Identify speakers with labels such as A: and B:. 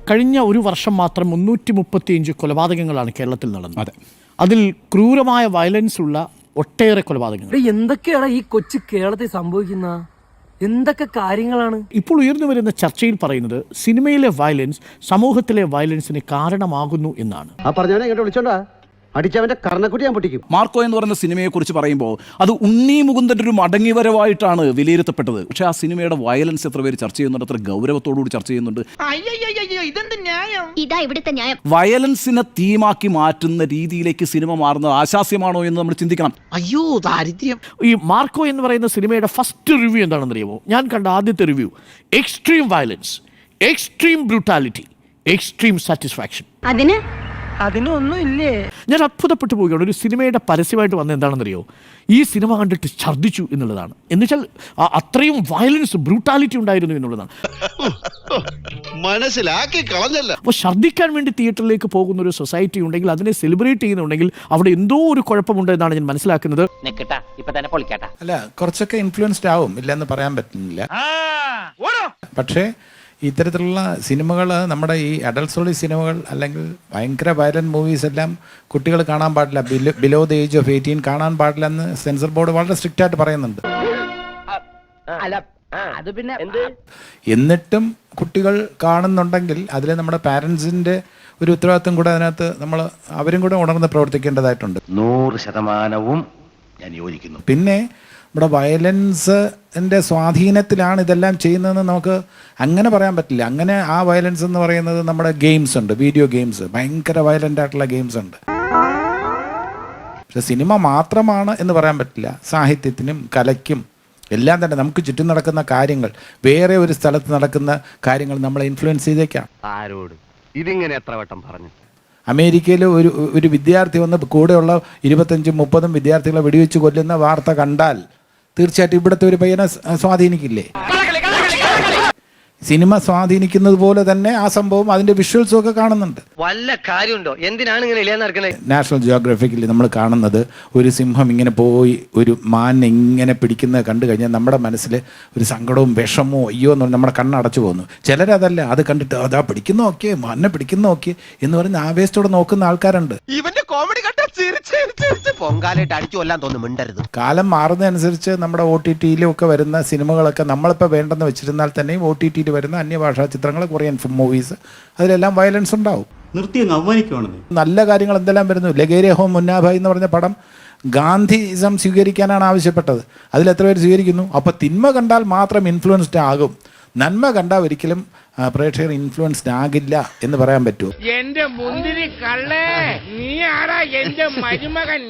A: കഴിഞ്ഞ ഒരു വർഷം മാത്രം 335 കൊലപാതകങ്ങളാണ് കേരളത്തിൽ നടന്നത്. അതിൽ ക്രൂരമായ വയലൻസ് ഉള്ള ഒട്ടേറെ കൊലപാതകങ്ങൾ.
B: എന്തൊക്കെയാണ് ഈ കൊച്ചു കേരളത്തിൽ സംഭവിക്കുന്ന എന്തൊക്കെ കാര്യങ്ങളാണ്
A: ഇപ്പോൾ ഉയർന്നു വരുന്ന ചർച്ചയിൽ പറയുന്നത് സിനിമയിലെ വയലൻസ് സമൂഹത്തിലെ വയലൻസിന് കാരണമാകുന്നു എന്നാണ്.
C: അടിച്ചവന്റെ കർണക്കുട്ടി ഞാൻ പൊട്ടിക്കും.
D: മാർക്കോ എന്ന് പറയുന്ന സിനിമയെക്കുറിച്ച് പറയുമ്പോൾ അത് ഉണ്ണി മുകുന്ദൻ്റെ ഒരു മടങ്ങിവരവായിട്ടാണ് വിലയിരുത്തപ്പെട്ടത്. പക്ഷേ ആ സിനിമയുടെ വയലൻസ് എത്ര പേര് ചർച്ച ചെയ്യുന്നുണ്ട്, എത്ര ഗൗരവത്തോടുകൂടി ചർച്ച ചെയ്യുന്നുണ്ട്. വയലൻസിനെ തീമാക്കി മാറ്റുന്ന രീതിയിലേക്ക് സിനിമ മാറുന്നത് ആശാസ്യമാണോ എന്ന് നമ്മൾ ചിന്തിക്കണം.
C: അയ്യോ ദാരിദ്ര്യം.
A: ഈ മാർക്കോ എന്ന് പറയുന്ന സിനിമയുടെ ഫസ്റ്റ് റിവ്യൂ എന്താണെന്ന് അറിയാമോ? ഞാൻ കണ്ട ആദ്യത്തെ review extreme violence, extreme brutality, extreme satisfaction.
B: അതിനൊന്നും ഇല്ലേ?
A: ഞാൻ അത്ഭുതപ്പെട്ടു പോവുകയാണ്. ഒരു സിനിമയുടെ പരസ്യമായിട്ട് വന്ന എന്താണെന്നറിയോ? ഈ സിനിമ കണ്ടിട്ട് ഛർദ്ദിച്ചു എന്നുള്ളതാണ്. എന്നുവെച്ചാൽ അത്രയും വയലൻസ്, ബ്രൂട്ടാലിറ്റി ഉണ്ടായിരുന്നു എന്നുള്ളതാണ്.
E: മനസ്സിലാക്കി കളഞ്ഞല്ല.
A: അപ്പോൾ ഛർദ്ദിക്കാൻ വേണ്ടി തിയേറ്ററിലേക്ക് പോകുന്ന ഒരു സൊസൈറ്റി ഉണ്ടെങ്കിൽ, അതിനെ സെലിബ്രേറ്റ് ചെയ്യുന്നുണ്ടെങ്കിൽ അവിടെ എന്തോ ഒരു കുഴപ്പമുണ്ട് എന്നാണ് ഞാൻ മനസ്സിലാക്കുന്നത്.
F: അല്ല, കുറച്ചൊക്കെ ഇൻഫ്ലുവൻസ്ഡ് ആവും, ഇല്ലെന്ന് പറയാൻ പറ്റുന്നില്ല. പക്ഷേ ഇത്തരത്തിലുള്ള സിനിമകൾ, നമ്മുടെ ഈ അഡൾട്ട്സുള്ള സിനിമകൾ അല്ലെങ്കിൽ ഭയങ്കര വയലന്റ് മൂവീസ് എല്ലാം കുട്ടികൾ കാണാൻ പാടില്ല, ബിലോ ദ ഏജ് ഓഫ് 18 കാണാൻ പാടില്ല എന്ന് സെൻസർ ബോർഡ് വളരെ സ്ട്രിക്റ്റ് ആയിട്ട് പറയുന്നുണ്ട്. എന്നിട്ടും കുട്ടികൾ കാണുന്നുണ്ടെങ്കിൽ അതിൽ നമ്മുടെ പാരൻസിൻ്റെ ഒരു ഉത്തരവാദിത്വം കൂടെ അതിനകത്ത് അവരും കൂടെ ഉണർന്ന് പ്രവർത്തിക്കേണ്ടതായിട്ടുണ്ട്.
C: 100% ഞാൻ യോജിക്കുന്നു.
F: പിന്നെ നമ്മുടെ വയലൻസിൻ്റെ സ്വാധീനത്തിലാണ് ഇതെല്ലാം ചെയ്യുന്നതെന്ന് നമുക്ക് അങ്ങനെ പറയാൻ പറ്റില്ല. അങ്ങനെ ആ വയലൻസ് എന്ന് പറയുന്നത് നമ്മുടെ ഗെയിംസ് ഉണ്ട്, വീഡിയോ ഗെയിംസ്, ഭയങ്കര വയലൻ്റ് ആയിട്ടുള്ള ഗെയിംസ് ഉണ്ട്. പക്ഷെ സിനിമ മാത്രമാണ് എന്ന് പറയാൻ പറ്റില്ല. സാഹിത്യത്തിനും കലയ്ക്കും എല്ലാം തന്നെ നമുക്ക് ചുറ്റും നടക്കുന്ന കാര്യങ്ങൾ, വേറെ ഒരു സ്ഥലത്ത് നടക്കുന്ന കാര്യങ്ങൾ നമ്മളെ ഇൻഫ്ലുവൻസ് ചെയ്തേക്കാം.
C: ആരോട് ഇതിങ്ങനെ എത്ര വട്ടം പറഞ്ഞു?
F: അമേരിക്കയിൽ ഒരു വിദ്യാർത്ഥി വന്ന് കൂടെയുള്ള 25-30 വിദ്യാർത്ഥികളെ വെടിവെച്ച് കൊല്ലുന്ന വാർത്ത കണ്ടാൽ തീർച്ചയായിട്ടും ഇവിടുത്തെ ഒരു പയ്യനെ സ്വാധീനിക്കില്ലേ? സിനിമ സ്വാധീനിക്കുന്നത് പോലെ തന്നെ ആ സംഭവം അതിന്റെ വിഷ്വൽസും ഒക്കെ കാണുന്നുണ്ട്.
C: വല്ല കാര്യമുണ്ടോ? എന്തിനാണ് ഇങ്ങനെ ഇല്ലാന്ന് നടക്കുന്നത്?
F: നാഷണൽ ജിയോഗ്രഫിക്കിൽ നമ്മൾ കാണുന്നത് ഒരു സിംഹം ഇങ്ങനെ പോയി ഒരു മാനിനെ ഇങ്ങനെ പിടിക്കുന്നത് കണ്ടു കഴിഞ്ഞാൽ നമ്മുടെ മനസ്സിൽ ഒരു സങ്കടവും വിഷമവും അയ്യോ എന്ന് പറഞ്ഞാൽ നമ്മുടെ കണ്ണടച്ചു പോകുന്നു. ചിലരതല്ല, അത് കണ്ടിട്ട് അതാ പിടിക്കുന്ന നോക്കിയേ, മാനിനെ പിടിക്കുന്ന നോക്കിയേ എന്ന് പറഞ്ഞ് ആവേശത്തോടെ നോക്കുന്ന ആൾക്കാരുണ്ട്.
E: ഇവന്റെ കോമഡി കണ്ട പൊങ്കാലായിട്ട് അടിച്ചു കൊല്ലാൻ തോന്നുന്നു. മിണ്ടരുത്.
F: കാലം മാറുന്നതനുസരിച്ച് നമ്മുടെ OTT-യിലും ഒക്കെ വരുന്ന സിനിമകളൊക്കെ നമ്മളിപ്പോൾ വേണ്ടെന്ന് വെച്ചിരുന്നാൽ തന്നെയും OTT-യിൽ വരുന്ന അന്യഭാഷാ ചിത്രങ്ങൾ, കൊറിയൻ മൂവീസ്, അതിലെല്ലാം വയലൻസ് ഉണ്ടാവും. നല്ല കാര്യങ്ങൾ എന്തെല്ലാം വരുന്നു. ലഗേരിയ ഹോം മുന്നാഭായ് എന്ന് പറഞ്ഞ പടം ഗാന്ധിസം സ്വീകരിക്കാനാണ് ആവശ്യപ്പെട്ടത്. അതിലെത്ര പേര് സ്വീകരിക്കുന്നു? അപ്പോൾ തിന്മ കണ്ടാൽ മാത്രം ഇൻഫ്ലുവൻസ്ഡ് ആകും, നന്മ കണ്ടാൽ ഒരിക്കലും പ്രേക്ഷകർ ഇൻഫ്ലുവൻസ്ഡ് ആകില്ല എന്ന് പറയാൻ പറ്റുമോ?
G: എന്റെ മുന്തിരി കള്ളേ, നീ ആരാ എന്റെ മരുമകൻ?